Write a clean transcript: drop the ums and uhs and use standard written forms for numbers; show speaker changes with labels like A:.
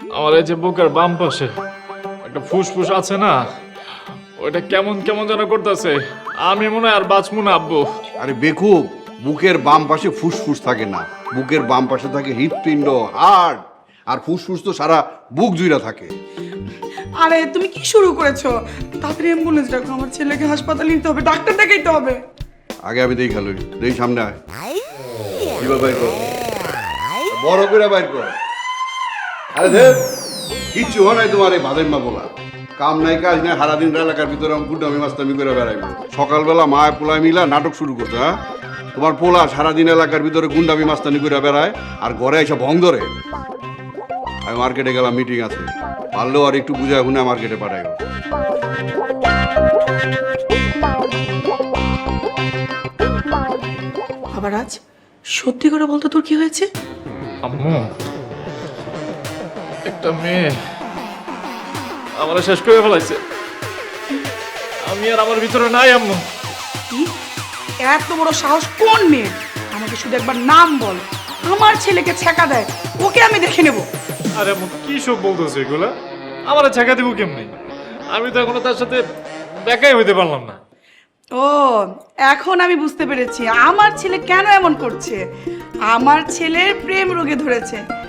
A: আমার এই যে বুকের বাম পাশে একটা ফুসফুস আছে না, ওইটা কেমন কেমন যেন করতেছে। আমি মনে হয় আর বাঁচবো না আব্বু।
B: আরে বেকুব, বুকের বাম পাশে ফুসফুস থাকে না, বুকের বাম পাশে থাকে হৃৎপিণ্ড, হার্ট। আর ফুসফুস তো সারা বুক জুড়ে থাকে।
C: আরে তুমি কি শুরু করেছো? তাড়াতাড়ি অ্যাম্বুলেন্স ডাকো, আমার ছেলেকে হাসপাতালে নিতে হবে, ডাক্তার দেখাইতে হবে।
B: আগে আমি দেখি খালুই, দেখি সামনে আয়। কিভাবে বাইর কর, বড় করে বাইর কর। আরে দেখ, কিচ্ছু হয় নাই তোমার এই ভাদের মা বলা। কাম নাই কাজ নাই, সারাদিন এলাকার ভিতরে গুড্ডামি মাস্তামি করে বেড়াইব। সকালবেলা মায় পোলায় মিলা নাটক শুরু করছে। হ্যাঁ, তোমার পোলা সারাদিন এলাকার ভিতরে গুন্ডামি মাস্তানি করে বেড়ায় আর ঘরে এসে ভং ধরে। আমি মার্কেটে গেলাম, মিটিং আছে, পারলেও আর একটু বুঝায় শুনে মার্কেটে পাঠাইব।
C: আবার আজ সত্যি করে বলতো তোর কি হয়েছে?
A: আম্মু, একটা মেয়ে আমার শেষ করে ফেলাইছে। আমি আর আমার ভিতরে নাই আম্মু।
C: কি এত বড় সাহস কোন মেয়ে? আমাকে শুধু একবার নাম বল, আমার ছেলেকে ছেঁকা দেয়, ওকে আমি দেখে নেব।
A: আরে আম্মু, কি সব বলতেছে এগুলা? আমার ছেঁকা দিব কেমনি? আমি তো এখনো তার সাথে দেখাই হইতে পারলাম না।
C: ও, এখন আমি বুঝতে পেরেছি আমার ছেলে কেন এমন করছে। আমার ছেলের প্রেম রোগে ধরেছে।